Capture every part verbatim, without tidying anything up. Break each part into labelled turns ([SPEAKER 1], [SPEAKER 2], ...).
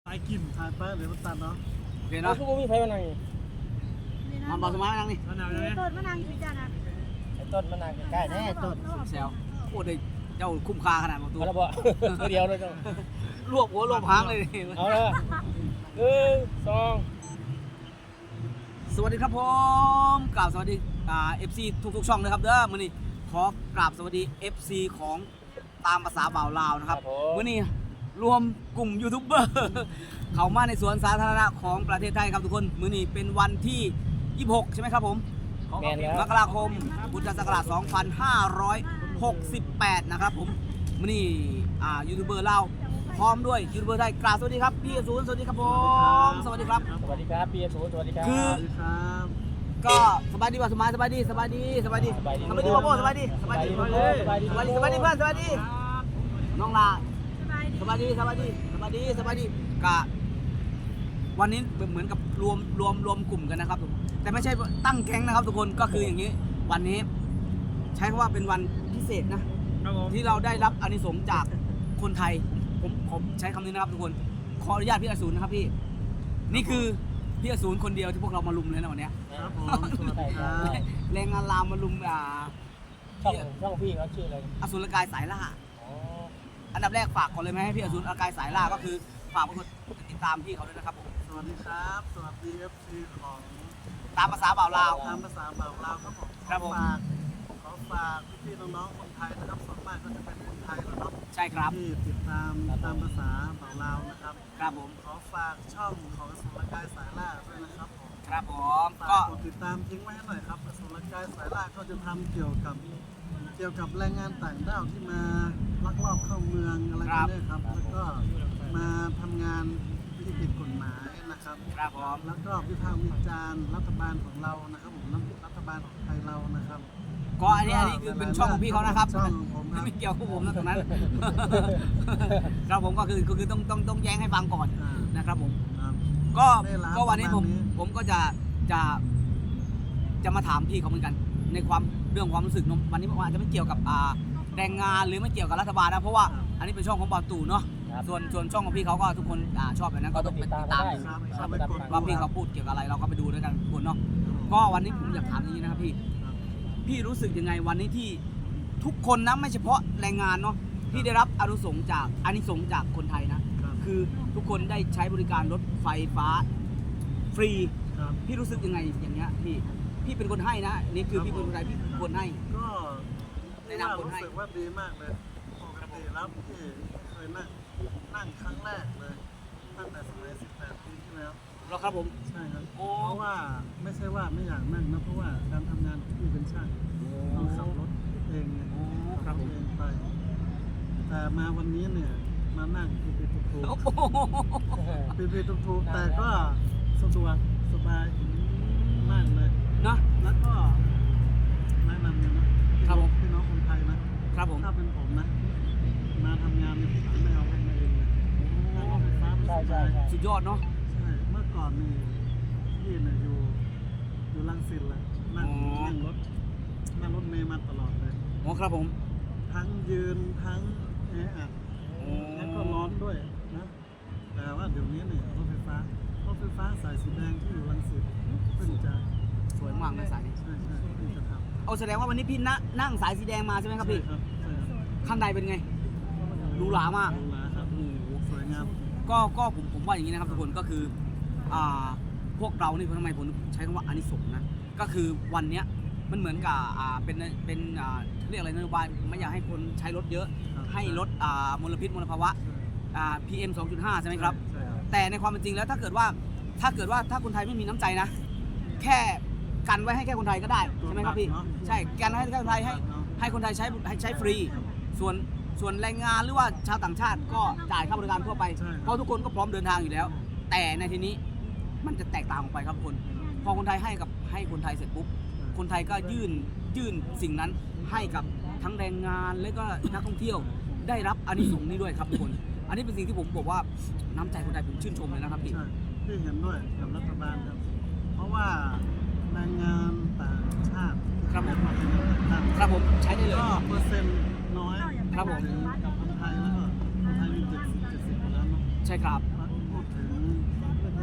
[SPEAKER 1] ไปกินทานไปหรือมันตันเนาะ
[SPEAKER 2] โอเคเนาะ
[SPEAKER 3] ทุกคนมีไฟมานั่งนี่
[SPEAKER 2] มาบอกสมาร์ทนั่งนี่
[SPEAKER 1] มะนาวเลย
[SPEAKER 4] ต้นมะนาวอยู่จ้านะ
[SPEAKER 3] ไอ้ต้นมานั่งใกล้ๆแน่ต้น
[SPEAKER 2] แซวโอ้ยเจ้าคุ้มค่าขนาดประตู
[SPEAKER 3] เอาละบ่ตัวเดียวเลยเจ้าร
[SPEAKER 2] วบหัวรวบหางเลย
[SPEAKER 3] เอาละหนึ่งสอง
[SPEAKER 2] สวัสดีครับผมกราบสวัสดีอ่า เอฟ ซี ทุกๆช่องเลยครับเด้อมื้อนี้ขอกราบสวัสดี เอฟ ซี ของตามภาษาบ่าวลาวนะครับมื้อนี้รวมกลุ่มยูทูบเบอร์เข้ามาในสวนสาธารณะของประเทศไทยครับทุกคนมื้อนี้เป็นวันที่ยี่สิบหกใช่ไหมครับผม
[SPEAKER 3] แมนแล้ว
[SPEAKER 2] มกราคมพุทธศักราชสองพันห้าร้อยหกสิบแปดนะครับผมมื้อนี้อ่ายูทูบเบอร์ลาวพร้อมด้วยยูทูบเบอร์ไทยกราบสวัสดีครับพี่อสูรสวัสดีครับผมสวัสดีครับ
[SPEAKER 3] สวัสดีครับพี่สูสวัสดีครับ
[SPEAKER 2] คือ
[SPEAKER 1] สวัสดีครับ
[SPEAKER 2] ก็สบายดีป่ะสบายสบายดีสบายดีสบายดี
[SPEAKER 3] สบายดี
[SPEAKER 2] สบายดีพ่อโบสบายดีสบายดี
[SPEAKER 3] สบายดี
[SPEAKER 2] สบายดีสบายดีสบายดีเพื่อนสบายดีน้องลา
[SPEAKER 4] สบายดี
[SPEAKER 2] สบายดีสบายดีสบายดีสบายดีกะวันนี้เหมือนกับรวมรวมรวมกลุ่มกันนะครับแต่ไม่ใช่ตั้งแก๊งนะครับทุกคนก็คืออย่างนี้วันนี้ใช้คำว่าเป็นวันพิเศษนะครับ
[SPEAKER 1] ผม
[SPEAKER 2] ที่เราได้รับอานิสงส์จากคนไทยผมผมใช้คำนี้นะครับทุกคนขออนุญาตพี่อสูรนะครับพี่นี่คือพี่อสูรคนเดียวที่พวกเรามาลุมเลยนะวันเนี้ย
[SPEAKER 1] ครับผมสวัสดีครับ
[SPEAKER 2] แรงงานลามมาลุมอ่า
[SPEAKER 3] ช่องช่องพี่เขาชื่ออะไร
[SPEAKER 2] อสูรกายสายล่า
[SPEAKER 3] อ๋อ
[SPEAKER 2] อันดับแรกฝากก่อนเลยไหมให้พี่อสูรกายสายล่าก็คือฝากกดติดตามพี่เขาด้วยนะครับผม
[SPEAKER 1] สวัสดีครับสวัสดีเอฟซีของ
[SPEAKER 2] ตามภาษาบ่าวลาว
[SPEAKER 1] ตามภาษาบ่าวลาวครับผม
[SPEAKER 2] ครับผม
[SPEAKER 1] ขอฝากขอฝากพี่ๆน้องๆคนไทยนะครับส่วนมากก็จะเป็นคนไทยแหละเนาะ
[SPEAKER 2] ใช่ครับ
[SPEAKER 1] ที่ติดตามตามภาษาบ่าวลาวนะครับ
[SPEAKER 2] ครับผม
[SPEAKER 1] ขอฝากช่องของสุรกายสายล่าด้วยนะครับผม
[SPEAKER 2] ครับผม
[SPEAKER 1] ฝา
[SPEAKER 2] ก็
[SPEAKER 1] กกดติดตามทิ้งไว้ให้หน่อยครับสุรกายสายล่าก็จะทำเกี่ยวกับเกี่ยวกับแรงงานต่างด้าวที่มาลักลอบเข้าเมืองอะไรกันเนี่ยครับแล้วก็มาทำงานที่ผิดกฎหมายนะครับ
[SPEAKER 2] ครับผม
[SPEAKER 1] แล้วก็วิพากษ์วิจารณ์รัฐบาลของเรานะครับผมรัฐบาลของไทยเรานะครับ
[SPEAKER 2] ก็อันนี้อันนี้คือเป็นช่องของพี่เขานะครับ
[SPEAKER 1] ช่องของผมครับ
[SPEAKER 2] ไม่เกี่ยวกับผมนะตรงนั้น ครับผมก็คือก็คือต้องต้องต้องแย้งให้ฟังก่อน
[SPEAKER 1] อ่า
[SPEAKER 2] นะครับผม
[SPEAKER 1] ครับ
[SPEAKER 2] ก็
[SPEAKER 1] ได้รับ
[SPEAKER 2] ก็วันนี้ผม
[SPEAKER 1] ประมาณนี้
[SPEAKER 2] ผมก็จะจะจะมาถามพี่เขาเหมือนกัน ในความเรื่องความรู้สึกเนอะวันนี้ผมอาจจะไม่เกี่ยวกับอ่าแรงงานหรือไม่เกี่ยวกับรัฐบาลนะเพราะว่าอันนี้เป็นช่องของบอลตู่เนาะ
[SPEAKER 3] ครับ
[SPEAKER 2] ส่วนส่วนช่องของพี่เขาก็ทุกคนอ่าชอบแบบนั้นก็ต้องไปติดตาม
[SPEAKER 3] ได้
[SPEAKER 2] ดู
[SPEAKER 1] ครับ
[SPEAKER 3] ครับ
[SPEAKER 1] ไปกด
[SPEAKER 2] ว่าพี่เขาพูดเกี่ยวกับอะไรเราก็ไปดูด้วยกันทุกคนเนาะก็วันนี้ผมอยากถามอย่างนี้นะครับพี่
[SPEAKER 1] ครับ
[SPEAKER 2] พี่รู้สึกยังไงวันนี้ที่ทุกคนนะไม่เฉพาะแรงงานเนาะที่ได้รับอานุสงส์จากอานิสงส์จากคนไทยนะครับ คือทุกคนได้ใช้บริการรถไฟฟ้าฟรี
[SPEAKER 1] ครับ
[SPEAKER 2] พี่รู้สึกยังไงอย่างเงี้ยพี่พี่เป็นคนให้นะนี่คือพี่เป็นคนไทยพี่เป็นคนให้
[SPEAKER 1] ก็
[SPEAKER 2] แนะนำคน
[SPEAKER 1] รู้
[SPEAKER 2] ให้
[SPEAKER 1] สึกว่าดีมากเลยปกติแล้วพี่เคยนั่งนั่งครั้งแรกเลยตั้งแต่สมัยสิบแปดปีที่แล้ว
[SPEAKER 2] แล้วครับผม
[SPEAKER 1] ใช่ครับ
[SPEAKER 2] โอ้
[SPEAKER 1] เพราะว่าไม่ใช่ว่าไม่อยากนั่งนะเพราะว่าการทำงานของพี่เป็นช่างต้องขับรถเองไง
[SPEAKER 2] โอ้ครับผม
[SPEAKER 1] เองไป แต่มาวันนี้เนี่ยมานั่งปีปีทุกทุก
[SPEAKER 2] โอ้โห
[SPEAKER 1] ปีปีทุกทุกแต่ก็สะดวกสบายมากเลย
[SPEAKER 2] เนาะ
[SPEAKER 1] แล้วก็แนะนำเลยนะครับ
[SPEAKER 2] ผม
[SPEAKER 1] พี่น้องคนไทยนะครับ
[SPEAKER 2] ผม
[SPEAKER 1] ถ้าเป็นผมนะ มาทำงานในที่ไม่เอารถมาเองเลยนั่งรถไฟฟ้าไม่ส
[SPEAKER 3] ใช่ใช่
[SPEAKER 1] บาย
[SPEAKER 3] ใช่
[SPEAKER 2] สุดยอดเนาะ
[SPEAKER 1] ใช่เมื่อก่อนนี่พี่เนี่ยอยู่อยู่รังสิตแหละนั่ง
[SPEAKER 2] อ๋อ
[SPEAKER 1] นั่งรถนั่งรถเมล์มาตลอดเลย
[SPEAKER 2] โอ้ครับผม
[SPEAKER 1] ทั้งยืนทั้งแออัด
[SPEAKER 2] โอ้
[SPEAKER 1] แล้วก็ร้อนด้วยนะแต่ว่าเดี๋ยวนี้เนี่ยรถไฟฟ้ารถไฟฟ้าสายสีแดงที่อยู่รังสิตเพิ่งจะ
[SPEAKER 2] สวยมากนะสายนี้
[SPEAKER 1] ใช่ใช่เพิ่งจะทำ
[SPEAKER 2] เอาแสดงว่าวันนี้พี่นั่งนั่งสายสีแดงมาใช่ไหมครับพี่
[SPEAKER 1] ใช่ครับใช่ครับ
[SPEAKER 2] ข้างในเป็นไงหรูหรามาก
[SPEAKER 1] หรูหราครับ
[SPEAKER 2] โอ้โห
[SPEAKER 1] สวยงาม
[SPEAKER 2] ก็ก็ผมผมว่าอย่างนี้นะครับทุกคนก็คืออ่าพวกเรานี่ทำไมผมใช้คำว่าอานิสงส์นะก็คือวันเนี้ยมันเหมือนกับอ่าเป็นเป็นอ่าเรียกอะไรนโยบายไม่อยากให้คนใช้รถเยอะ
[SPEAKER 1] ครับ
[SPEAKER 2] ให้ลดอ่ามลพิษมลภาวะอ่า พี เอ็ม สองจุดห้า ใช่ไหมครับ
[SPEAKER 1] ใช่ครับ
[SPEAKER 2] แต่ในความเป็นจริงแล้วถ้าเกิดว่าถ้าเกิดว่าถ้าคนไทยไม่มีน้ำใจนะ แค่กันไว้ให้แค่คนไทยก็ได้ใช่ไหมครับพี่ใช่กันให้แค่คนไทยให้ให้คนไทยใช้ให้ใช้ฟรี ส่วนส่วนแรงงานหรือว่าชาวต่างชาติก็จ่ายค่าบริการทั่วไป
[SPEAKER 1] ใช่
[SPEAKER 2] เพราะทุกคนก็พร้อมเดินทางอยู่แล้ว แต่ในทีนี้มันจะแตกต่างออกไปครับทุกคน พอคนไทยให้กับให้คนไทยเสร็จปุ๊บ คนไทยก็ยื่นยื่นสิ่งนั้นให้กับทั้งแรงงานและก็นักท่องเที่ยวได้รับอานิสงส์นี้ด้วยครับทุกคน อันนี้เป็นสิ่งที่ผมบอกว่าน้ำใจคนไทยผมชื่นชมเลยนะครับพี่
[SPEAKER 1] ใช่พี่เห็นด้วยกับรัฐบาลครับ เพราะว่าแรงงานต่างชาติ
[SPEAKER 2] ครับผม
[SPEAKER 1] มาเป็นแรงงานต่าง
[SPEAKER 2] ครับผมใช้ได้เลย
[SPEAKER 1] ก็เปอร์เซ็นต์น้อย
[SPEAKER 2] ครับผม
[SPEAKER 1] ถึงกับคนไทยแล้วก็คนไทยมีเจ็ดสิบเจ็ดสิบแล้วเนาะ
[SPEAKER 2] ใช่ครับ
[SPEAKER 1] พูดถึง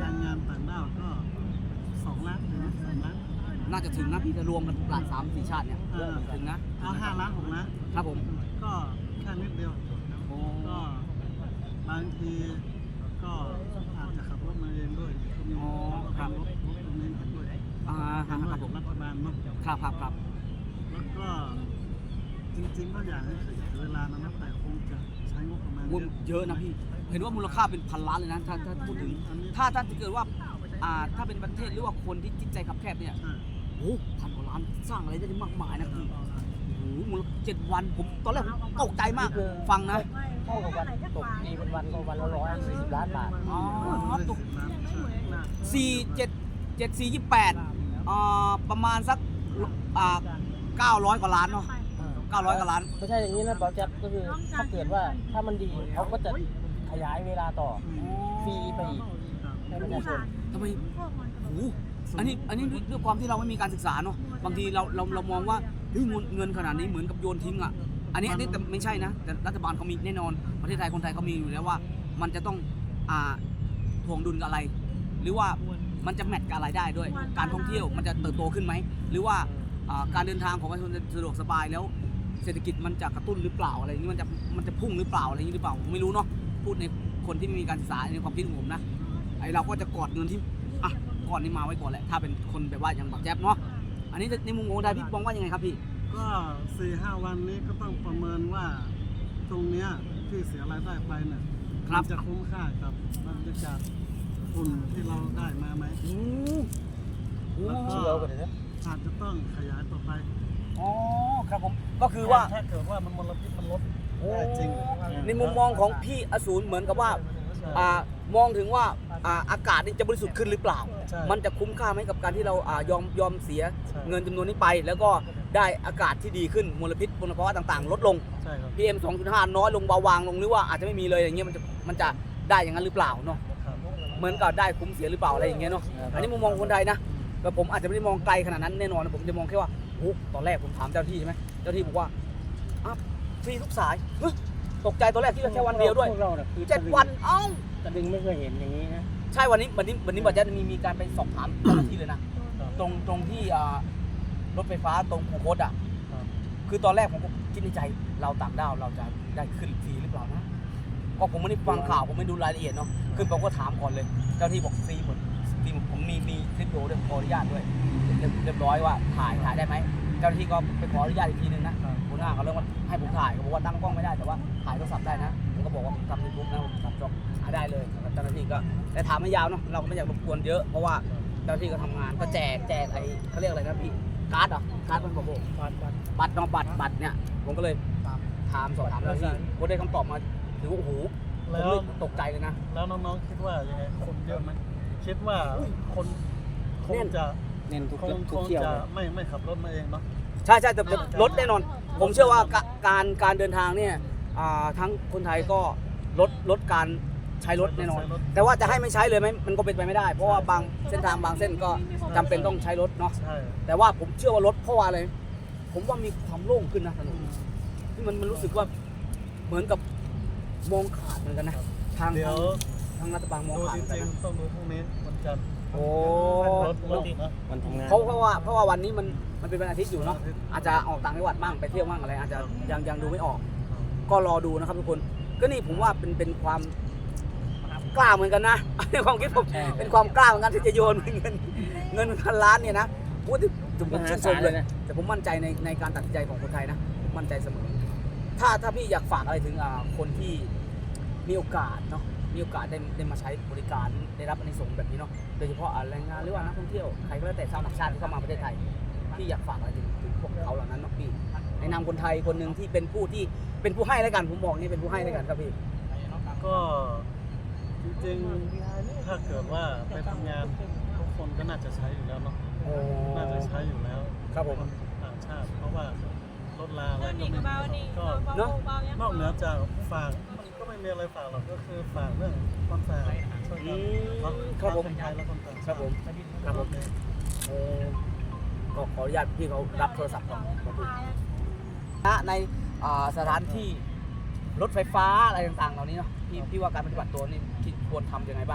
[SPEAKER 1] รงงานต่างด้าวก็สองล้านถึงสามล้าน
[SPEAKER 2] น่าจะถึงนะพี่จะรวมกันหลายสามสี่ชาติเนี่ย
[SPEAKER 1] เออ
[SPEAKER 2] ถึงนะ
[SPEAKER 1] เอาห้าล้านหกล้าน
[SPEAKER 2] ครับผม
[SPEAKER 1] ก็แค่นิดเดียว
[SPEAKER 2] โอ้
[SPEAKER 1] ก็บางทีก็อาจจะขับรถมาเองด้วยก็มี
[SPEAKER 2] อ๋อครับ
[SPEAKER 1] รถรถตรงนี้มาด้วย
[SPEAKER 2] อ่าค
[SPEAKER 1] ทาง
[SPEAKER 2] รับผม
[SPEAKER 1] รัฐบาลเนาะ
[SPEAKER 2] ครับครับครับ
[SPEAKER 1] แล้วก็จริงๆก็อยากให้ขยายเวลานะนะแต่คงจะใช้งบประมาณ
[SPEAKER 2] มูล
[SPEAKER 1] เยอะ
[SPEAKER 2] เยอะนะพี่ เห็นว่ามูลค่าเป็นพันล้านเลยนะถ้าถ้าพูดถึง ถ้าถ้าเกิดว่าอ่าถ้าเป็นประเทศหรือว่าคนที่จิตใจคับแคบเนี่ย
[SPEAKER 1] ใช่
[SPEAKER 2] โอ้พันกว่าล้านสร้างอะไรได้มากมายนะพี่โอ้โหมูลเจ็ดวันผมตอนแรกผมตกใจมากฟังนะ
[SPEAKER 3] เท่ากับวันตกตีเป็นวันก็วันละร้อยสี่สิบล้านบาท
[SPEAKER 2] อ๋อ
[SPEAKER 1] ตกน้ำใช่น่า
[SPEAKER 2] สี่เจ็ดเจ็ดสี่ยี่แปดอ่าประมาณสักอ่าเก้าร้อยกว่าล้านเนาะเก้าร้อยกว่าล้าน
[SPEAKER 3] ไม่ใช่อย่างนี้นะบอลแจ๊บก็คือถ้าเกิดว่าถ้ามันดีเขาก็จะขยายเวลาต่อฟรีไปอีกให้ประชาชน
[SPEAKER 2] ทำไมโอ้โหอันนี้อันนี้ด้วยด้วยความที่เราไม่มีการศึกษาเนาะบางทีเราเราเรามองว่าเฮ้ยเงินเงินขนาดนี้เหมือนกับโยนทิ้งอ่ะอันนี้อันนี้แต่ไม่ใช่นะแต่รัฐบาลเขามีแน่นอนประเทศไทยคนไทยเขามีอยู่แล้วว่า มันจะต้องอ่าถ่วงดุลกับอะไร หรือว่ามันจะแมทกับอะไรได้ด้วย การท่องเที่ยวมันจะเติบโตขึ้นไหมหรือว่าอ่าการเดินทางของประชาชนจะสะดวกสบายแล้ว เศรษฐกิจมันจะกระตุ้นหรือเปล่าอะไรอย่างนี้มันจะมันจะพุ่งหรือเปล่าอะไรอย่างนี้หรือเปล่าผมไม่รู้เนาะพูดในคนที่ไม่มีการศึกษาในความคิดของผมนะไอเราก็จะกอดเงินที่อ่ะก่อนนี้มาไว้ก่อนแหละถ้าเป็นคนแบบว่าอย่างบักแจ๊บเนาะอันนี้ในมุมของคนไทยพี่มองว่ายังไงครับพี่
[SPEAKER 1] ก็สี่ห้าวันนี้ก็ต้องประเมินว่าตรงเนี้ยที่เสียรายได้ไปเนี่ย
[SPEAKER 2] ครับ
[SPEAKER 1] มันจะคุ้มค่ากับบรรยากาศฝุ่นที่เราได้มาไหม
[SPEAKER 2] โอ้โห
[SPEAKER 1] แล้วก็
[SPEAKER 3] เชียวกันเลยนะ
[SPEAKER 1] อาจจะต้องขยายต่อไป
[SPEAKER 2] อ๋อครับผมก็คือว่า
[SPEAKER 1] ถ้าเกิดว่ามันมลพิษมันลดได้จริง
[SPEAKER 2] ในมุมมองของพี่อสูรเหมือนกับว่าอ่ามองถึงว่าอ่าอากาศนี่จะบริสุทธิ์ขึ้นหรือเปล่า
[SPEAKER 1] ใช่
[SPEAKER 2] มันจะคุ้มค่าไหมกับการที่เราอ่ายอมยอมเสีย
[SPEAKER 1] ใช่
[SPEAKER 2] เงินจำนวนนี้ไป แล้วก็ได้อากาศที่ดีขึ้นมลพิษมลภาวะต่างๆ ลดลง
[SPEAKER 1] ใช่ครับ
[SPEAKER 2] พี เอ็ม สองจุดห้า น้อยลงเบาบางลงหรือว่าอาจจะไม่มีเลยอย่างเงี้ยมันจะมันจะได้อย่างนั้นหรือเปล่าเนาะ
[SPEAKER 1] ครับ
[SPEAKER 2] เหมือนกับได้คุ้มเสียหรือเปล่าอะไรอย่างเงี้ยเนาะอันนี้มุมมองคนไทยนะแต่ผมอาจจะไม่ได้มองไกลขนาดนั้นแน่นอนผมจะมองแค่ว่าโอ้ตอนแรกผมถามเจ้าหน้าที่ใช่ไหมเจ้าหน้าที่บอกว่าอ้าวฟรีทุกสายเฮ้ยตกใจตอนแรกที่แค่วันเดียวด้วย
[SPEAKER 3] พวกเราน่ะคือ
[SPEAKER 2] เจ็ดวันเอ้า
[SPEAKER 3] ตะดึงไม่เคยเห็นอย่างนี้นะ
[SPEAKER 2] ใช่วันนี้วันนี้วันนี้บอกจะมีมีการไปสอบถามเจ้าหน้าที่เลยนะ ตรงตรงที่อ่ารถไฟฟ้าตรงคูคตอ่ะ
[SPEAKER 1] ครับ
[SPEAKER 2] คือตอนแรกผมก็คิดในใจเราต่างด้าวเราจะได้ขึ้นฟรีหรือเปล่านะก็ผมไม่ได้ฟังข่าวผมไม่ดูรายละเอียดเนาะขึ้นผมก็ถามก่อนเลย เจ้าที่บอกฟรีหมดฟรีหมดผมมีมีคลิปวิดีโอด้วยขออนุญาตด้วยเรียบเรียบร้อยว่าถ่ายถ่ายได้ไหมเจ้าหน้าที่ก็ไปขออนุญาตอีกทีนึงนะหัวหน้าเขาเรื่องว่าให้ผมถ่ายเขาบอกว่าตั้งกล้องไม่ได้แต่ว่าถ่ายโทรศัพท์ได้นะผมก็บอกว่าผมทำยูทูบนะผมทำช่องอ่ะได้เลยเจ้าหน้าที่ก็แต่ถามไม่ยาวเนาะเราก็ไม่อยากรบกวนเยอะเพราะว่าเจ้าหน้าที่ก็ทำงานก็แจกแจกไอ้เขาเรียกอะไรนะพี่การ์ดเหรอการ์ดมันบอก
[SPEAKER 3] บัตรบัตร
[SPEAKER 2] บัตรเนาะบัตรบัตรเนี่ยผมก็เลยถามสอบถามเจ้าหน้าที่ผมได้คำตอบมาถือว่าโอ้โหผม
[SPEAKER 1] แล้ว
[SPEAKER 2] เลยตกใจเลยนะ
[SPEAKER 1] แล้วน้องๆคิดว่ายังไงคนเยอะไหมคิดว่าคนคงจะ
[SPEAKER 3] เน้นทุก
[SPEAKER 1] คง
[SPEAKER 3] ทุ
[SPEAKER 1] ค
[SPEAKER 3] ก
[SPEAKER 1] ง
[SPEAKER 3] เที่ยว
[SPEAKER 1] จะ
[SPEAKER 3] เลย
[SPEAKER 1] ไม่ไม่ขับรถมาเองเนาะ
[SPEAKER 2] ใช่ใช่แต่แต่ลดแน่นอน ผมเชื่อว่ากะการการเดินทางเนี่ยอ่าทั้งคนไทยก็ลดลดการใช้รถแน่นอน แต่ว่าจะให้ไม่ใช้เลยไหมมันก็เป็นไปไม่ได้ เพราะว่าบางเส้นทางบางเส้นก็จำเป็นต้องใช้รถเนาะ
[SPEAKER 1] ใช่
[SPEAKER 2] แต่ว่าผมเชื่อว่ารถเพราะว่าอะไรผมว่ามีความโล่งขึ้นนะถนนที่มันมันรู้สึกว่าเหมือนกับมองขาดเหมือนกันนะทาง
[SPEAKER 1] เดี๋ยว
[SPEAKER 2] ทางรัฐบาลมอง
[SPEAKER 1] ดู
[SPEAKER 2] ขาด
[SPEAKER 1] จ
[SPEAKER 2] เหมือน
[SPEAKER 1] ริ
[SPEAKER 2] กัน
[SPEAKER 1] ง
[SPEAKER 2] นะ
[SPEAKER 1] ๆต้องดูพรุ่งนี้วันจันทร์
[SPEAKER 2] โอ้
[SPEAKER 1] รถรถนะ
[SPEAKER 3] มันทำงาน
[SPEAKER 2] เพราะเพราะว่าเพราะว่าวันนี้มันมันเป็นวันอาทิตย์อยู่เนาะอาจจะออกต่างจังหวัดบ้างไปเที่ยวบ้างอะไรอาจจะยังยังดูไม่ออก ก็รอดูนะครับทุกคนก็นี่ผมว่าเป็นเป็นความกล้าเหมือนกันนะ ในความคิดผมเป็นความกล้าเหมือนกันที่จะโยนเงินเงินพันล้านเนี่ยนะพูดถึงผมชื่นชมเลยแต่ผมมั่นใจในในการตัดสินใจของคนไทยนะผมมั่นใจเสมอถ้าถ้าพี่อยากฝากอะไรถึงอ่าคนที่มีโอกาสเนาะมีโอกาสได้ได้มาใช้บริการได้รับอานิสงส์แบบนี้เนาะโดยเฉพาะอ่าแรงงานหรือว่านักท่องเที่ยวใครก็แล้วแต่ชาวต่างชาติที่เข้ามาประเทศไทยพี่อยากฝากอะไรถึงถึงพวกเขาเหล่านั้นเนาะพี่ในนามคนไทยคนหนึ่งที่เป็นผู้ที่เป็นผู้ให้แล้วกันผมบอกนี่เป็นผู้ให้แล้วกันครับพี่
[SPEAKER 1] ก็จริงๆถ้าเกิดว่าไปทำงานทุกคนก็น่าจะใช้อยู่แล้วเนาะ
[SPEAKER 2] โอ้
[SPEAKER 1] น่าจะใช้อยู่แล้ว
[SPEAKER 2] ครับผม
[SPEAKER 1] ต่างชาติ เพราะว่ารถลาอะไรก็
[SPEAKER 4] นี่
[SPEAKER 1] ไม่
[SPEAKER 4] เบา
[SPEAKER 1] มี
[SPEAKER 4] นี่
[SPEAKER 1] ก็
[SPEAKER 4] เบา
[SPEAKER 2] เนอะ
[SPEAKER 4] เบายัง
[SPEAKER 1] นอกเหนือจากฝากมันก็ไม่มีอะไรฝากหรอกก็คือฝากเรื่องความสะอาดช่วยกันรัก
[SPEAKER 2] ครับผม
[SPEAKER 1] คนไทยและคนต่าง
[SPEAKER 2] ค
[SPEAKER 1] ชา
[SPEAKER 2] รับ
[SPEAKER 1] ติ
[SPEAKER 2] ผมครับผมโอ้ก็ขออนุญาตพี่เขารับโทรศัพท์ก่อนครับผมณในอ่าสถานที่รถไฟฟ้าอะไรต่างๆเหล่านี้เนาะพี่พี่ว่าการปฏิบัติตัวนี่คิดควรทำยังไงบ้าง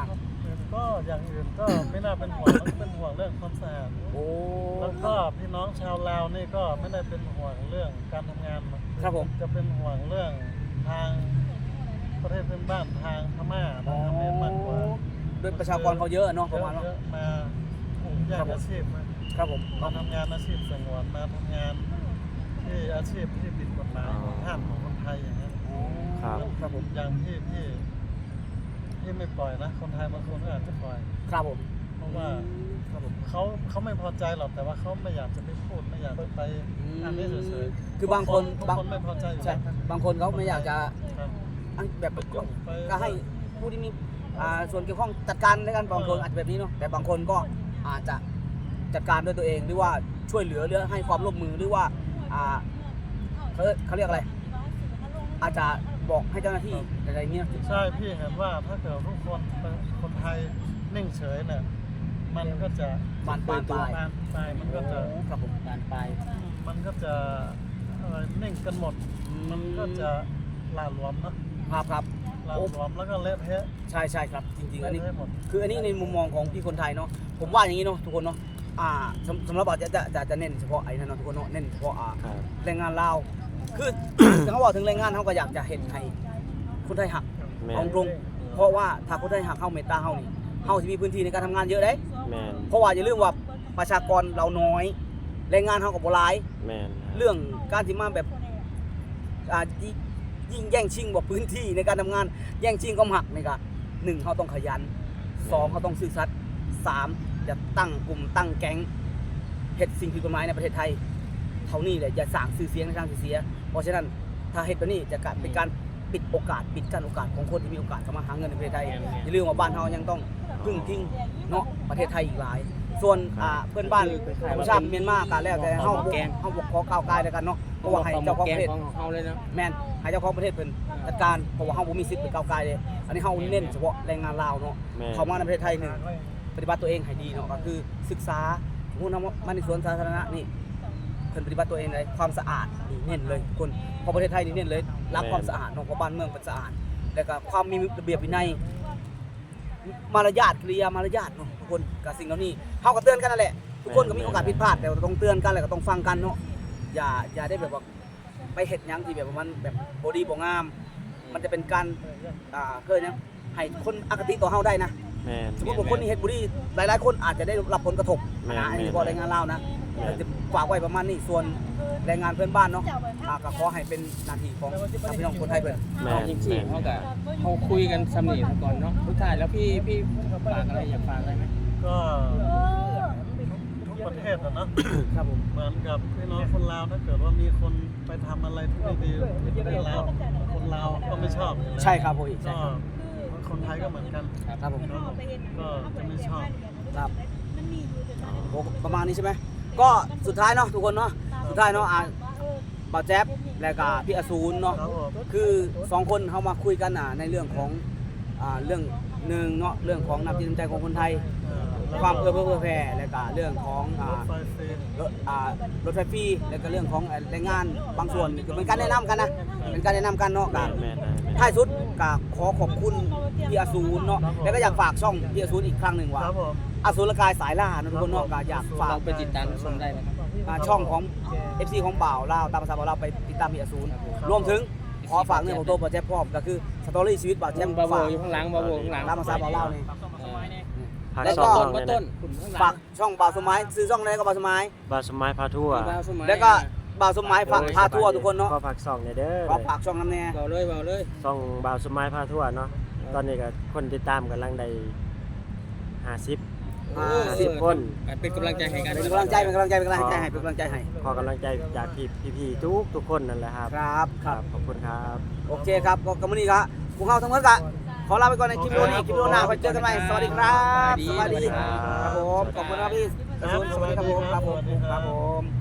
[SPEAKER 1] ก็อย่างอื่นก็ไม่น่าเป็นห่วงมันเป็นห่วงเรื่องความสะอาด
[SPEAKER 2] โอ้
[SPEAKER 1] แล้วก็พี่น้องชาวลาวนี่ก็ไม่ได้เป็นห่วงเรื่องการทำงาน
[SPEAKER 2] ครับผม
[SPEAKER 1] จะเป็นห่วงเรื่องทางประเทศเพื่อนบ้านทางพม่าทางเขมรมากกว่า
[SPEAKER 2] ด้วยประชากรเขาเยอะเนาะประมาณว่า
[SPEAKER 1] เยอะๆมาแยกอาชีพมา
[SPEAKER 2] ครับผม
[SPEAKER 1] มาทำงานอาชีพสงวนมาทำงานที่อาชีพที่ผิดกฎหมายของห้ามของคนไทยอย่างนั้น
[SPEAKER 5] ครับ
[SPEAKER 2] ครับผม
[SPEAKER 1] อย่างที่พี่พี่ไม่ปล่อยนะคนไทยบางคนก็อาจจะปล่อย
[SPEAKER 2] ครับผม
[SPEAKER 1] เพราะว่า
[SPEAKER 2] ครับผม
[SPEAKER 1] เขาเขาไม่พอใจหรอกแต่ว่าเขาไม่อยากจะไปพูดไม่อยากจะไปอันนี้เฉยๆ
[SPEAKER 2] คือบางคน
[SPEAKER 1] ทุก
[SPEAKER 2] บาง
[SPEAKER 1] คนไม่พอใจอยู่
[SPEAKER 2] ใช่
[SPEAKER 1] แล้ว
[SPEAKER 2] บางคนเขาไม่อยากจะ
[SPEAKER 1] ครับ
[SPEAKER 2] อันแบบ
[SPEAKER 1] ไปยุ่งไป
[SPEAKER 2] ก็ให้ผู้ที่มีอ่าส่วนเกี่ยวข้องจัดการด้วยกันบางคนอาจจะแบบนี้เนาะแต่บางคนก็อาจจะจัดการด้วยตัวเองหรือว่าช่วยเหลือหรือให้ความร่วมมือหรือว่าอ่าเขาเขาเรียกอะไร อาจจะบอกให้เจ้าหน้าที่อะไรเงี้ย
[SPEAKER 1] ใช่พี่เห็นว่าถ้าเกิดทุกคนเป็นคนไทยนิ่งเฉยเนี่ยมันก็จะ
[SPEAKER 2] บานปลายปลาย
[SPEAKER 1] บานปลายมันก็จะ
[SPEAKER 2] โอ้ครับผม
[SPEAKER 3] การไป
[SPEAKER 1] มันก็จะอะไรนิ่งกันหมด มันก็จะหลาหลวมเนอะ
[SPEAKER 2] ครับครับ
[SPEAKER 1] หลาหลวมแล้วก็เละเทะ
[SPEAKER 2] ใช่ใช่ครับจริงๆอันนี้
[SPEAKER 1] เละเทะหมด
[SPEAKER 2] คืออันนี้ในมุมมองของพี่คนไทยเนาะผมว่าอย่างนี้เนาะทุกคนเนาะอ่าสำสำหรับเราจะจะจะจะเน้นเฉพาะไอ้นั่นเนาะทุกคนเนาะเน้นเฉพาะอ่า
[SPEAKER 5] ครับ
[SPEAKER 2] แรงงานลาวคือ ถ้าเขาบอกถึงแรงงานเขาก็อยากจะเห็นให้คนไทยหัก
[SPEAKER 5] แม่
[SPEAKER 2] เอา
[SPEAKER 5] น
[SPEAKER 2] ตรงเพราะว่าถ้าคนไทยหักเข้าเมตตาเฮานี่เฮาจะมีพื้นที่ในการทำงานเยอะเด้
[SPEAKER 5] แม่น
[SPEAKER 2] เพราะว่าอย่าลืมว่าประชากรเราน้อยแรงงานเฮาก็บ่หลาย
[SPEAKER 5] แม่น
[SPEAKER 2] เรื่องการที่มาแบบอ่ายิยิ่งแย่งชิงว่าพื้นที่ในการทำงานแย่งชิงก็หักนี่ก็หนึ่งเขาต้องขยันสองเขาต้องซื่อสัตย์สามจะตั้งกลุ่มตั้งแก๊งเฮ็ดสิ่งผิดกฎหมายในประเทศไทยเท่านี้แหละอย่าสร้างชื่อเสียงในทางที่เสียเพราะฉะนั้นถ้าเฮ็ดแบบนี้จะกลายเป็นการปิดโอกาสปิดกั้นโอกาสของคนที่มีโอกาสเข้ามาหาเงินในประเทศไทยอย่าลืมว่าบ้านเฮายังต้องพึ่งพิงเนาะประเทศไทยอีกหลาย ส่วนอ่าเพื่อนบ้านประชาติเมียนมาก็แล้วแต่เฮาบ่เฮาบ่ขอก้าวไกลแล้วกันเนาะเพราะว่าให้เจ้าของประเทศ
[SPEAKER 3] ของเขาเลยนะ
[SPEAKER 2] แม่นให้เจ้าของประเทศเพิ่นจัดการเพราะว่าเฮาบ่มีสิทธิ์ไปก้าวไกลเลยอันนี้เฮาเน้นเฉพาะแรงงานลาวเนาะ
[SPEAKER 5] แม่น
[SPEAKER 2] เข้ามาในประเทศไทยหนึ่งปฏิบัติตัวเองให้ดีเนาะก็คือศึกษาสมมุติว่ามาในสวนสาธารณะนี่เพิ่นปฏิบัติตัวเองในความสะอาดนี่เน้นเลยทุกคนเพราะประเทศไทยนี่เน้นเลยรักความสะอาดเนาะเพราะบ้านเมืองเป็นสะอาดแล้วก็ความมีระเบียบวินัยมารยาทกิริยามารยาทเนาะทุกคนกับสิ่งเหล่านี้เฮาก็เตือนกันนั่นแหละทุกคนก็มีโอกาสผิดพลาดแต่ว่าต้องเตือนกันแล้วก็ต้องฟังกันเนาะอย่าอย่าได้แบบว่าไปเฮ็ดหยังที่แบบว่ามันแบบบ่ดีบ่งาม มันจะเป็นการอ่าเคยนะให้คนอคติต่อเฮาได้นะ
[SPEAKER 5] แม่น
[SPEAKER 2] สมมติว่าคนที่เฮ็ดบ่ดีหลายๆคนอาจจะได้รับผลกระทบ
[SPEAKER 5] แม่น
[SPEAKER 2] นะอันนี้
[SPEAKER 5] แม่น
[SPEAKER 2] เฉพาะแรงงานลาวนะ
[SPEAKER 5] แม่น
[SPEAKER 2] จะฝากไว้ประมาณนี้ส่วนแรงงานเพื่อนบ้านเนาะอ่าก็ขอให้เป็นหน้าที่ของพี่น้องคนไทยเพิ่น
[SPEAKER 5] แม่น
[SPEAKER 3] จริง
[SPEAKER 5] แม่น
[SPEAKER 3] ๆเขากับเขาคุยกันสำเนียงก่อนเนาะทุกท่ายแล้วพี่พี่ฝากอะไรอยากฝากอะไรไหม
[SPEAKER 1] ก็ทุกประเทศอะเนาะ
[SPEAKER 2] ครับผม
[SPEAKER 1] เหมือนกับพี่น้องคนลาวถ้าเกิดว่ามีคนไปทำอะไรที่ไม่ดีที่ประเทศลาวคนลาวก็ไม่ชอบอยู่แล้ว
[SPEAKER 2] ใช่ครับผมใช่
[SPEAKER 1] ก็
[SPEAKER 2] ครับ
[SPEAKER 1] คนไทยก็เหมือนกัน
[SPEAKER 2] ครับผม
[SPEAKER 1] ก็จะไม่ชอบ
[SPEAKER 2] ครับโอ้ประมาณนี้ใช่ไหมก็สุดท้ายเนาะทุกคนเนาะสุดท้ายเนาะอ่าบ่าวแจ๊บและก็พี่อสูรเนาะ
[SPEAKER 1] ครับผม
[SPEAKER 2] คือสองคนเขามาคุยกันอ่ะในเรื่องของอ่าเรื่องหนึ่งเนาะเรื่องของน้ำจิตน้ำใจของคนไทย
[SPEAKER 1] เอ่อแล้ว
[SPEAKER 2] ความ
[SPEAKER 1] ก็
[SPEAKER 2] เอื้อเฟื้อเผื่อแผ่และก็เรื่องของอ่าร
[SPEAKER 1] ถไฟฟรี
[SPEAKER 2] รถอ่ารถไฟฟรีและก็เรื่องของแรงงานบางส่วนก็เป็นการแนะนำกันนะเป็นการแนะนำกันเนาะกั
[SPEAKER 5] แม่
[SPEAKER 2] น
[SPEAKER 5] นแม่นแม่น
[SPEAKER 2] ท้ายสุดก็ขอขอบคุณพี่อสูรเนาะแล้วก็อยากฝากช่องพี่อสูรอีกครั้งหนึ่งว่า
[SPEAKER 1] ครับผม
[SPEAKER 2] อสูรกายสายล่านะทุกคนเนาะก็อยากฝาก
[SPEAKER 3] เราไปติดตามชมได้นะครับ
[SPEAKER 2] อ่าช่องของ เอฟ ซี ของบ่าวลาวตามภาษาบ่าวลาวไปติดตามพี่อสูรรวมถึงขอฝากเรื่องของตัวบ่าวแจ๊บพร้อมก็คือสตอรี่ชีวิตบ่าวแจ๊
[SPEAKER 3] แจ้
[SPEAKER 2] บ
[SPEAKER 3] งบาโบ
[SPEAKER 2] ฝาก
[SPEAKER 3] อยู่ข้างหลังบาโบข้างหลัง
[SPEAKER 2] ตามภาษาบ่าวลาวนี่
[SPEAKER 5] พา
[SPEAKER 2] แล้ว
[SPEAKER 5] ส
[SPEAKER 2] ก็
[SPEAKER 5] อง
[SPEAKER 3] ต้น
[SPEAKER 5] เนี่ย
[SPEAKER 3] ต้
[SPEAKER 5] นะ
[SPEAKER 3] นขุนข้างหลัง
[SPEAKER 2] ฝากช่องบ่าวสมัยซื้อช่องไหนก็บ่าวสมัย
[SPEAKER 5] บาสมัยพาทั่ว
[SPEAKER 3] บาสมัย
[SPEAKER 2] แล้วก็บ่าวสมัยพาพาทัวร์ทุกคนเนาะ
[SPEAKER 5] ก็ฝากส่องเนี่ยเด้อ
[SPEAKER 2] ขอฝากช่องน้ำแน่
[SPEAKER 3] เบาเลยเบาเลย
[SPEAKER 5] ส่องบาวสมัยพาทั่วเนาะตอนนี้ก็คนติดตามกำลังได้ห้าสิบ
[SPEAKER 2] อ่า
[SPEAKER 5] สิบคน
[SPEAKER 3] เป็นกำลังใจให้กัน
[SPEAKER 2] เป็นกำลังใจเป็นกำลังใจเป็นกำลังใจให้เป็นกำลังใจให้
[SPEAKER 5] ขอกำลังใจจากพี่พี่ๆทุกทุกคนนั่นแหละครับ
[SPEAKER 2] ครับครับ
[SPEAKER 5] ขอบคุณครับ
[SPEAKER 2] โอเคครับก็กำมือนี้ครับพวกเราทั้งหมดก็ขอลาไปก่อนในคลิปวิดีโอนี้คลิปวิดีโอหน้าไปเจอกันใหม่สวัสดีครับสวัสดีครับผมขอบคุณครับพี่สวัสดีครับผมครับผมครับผม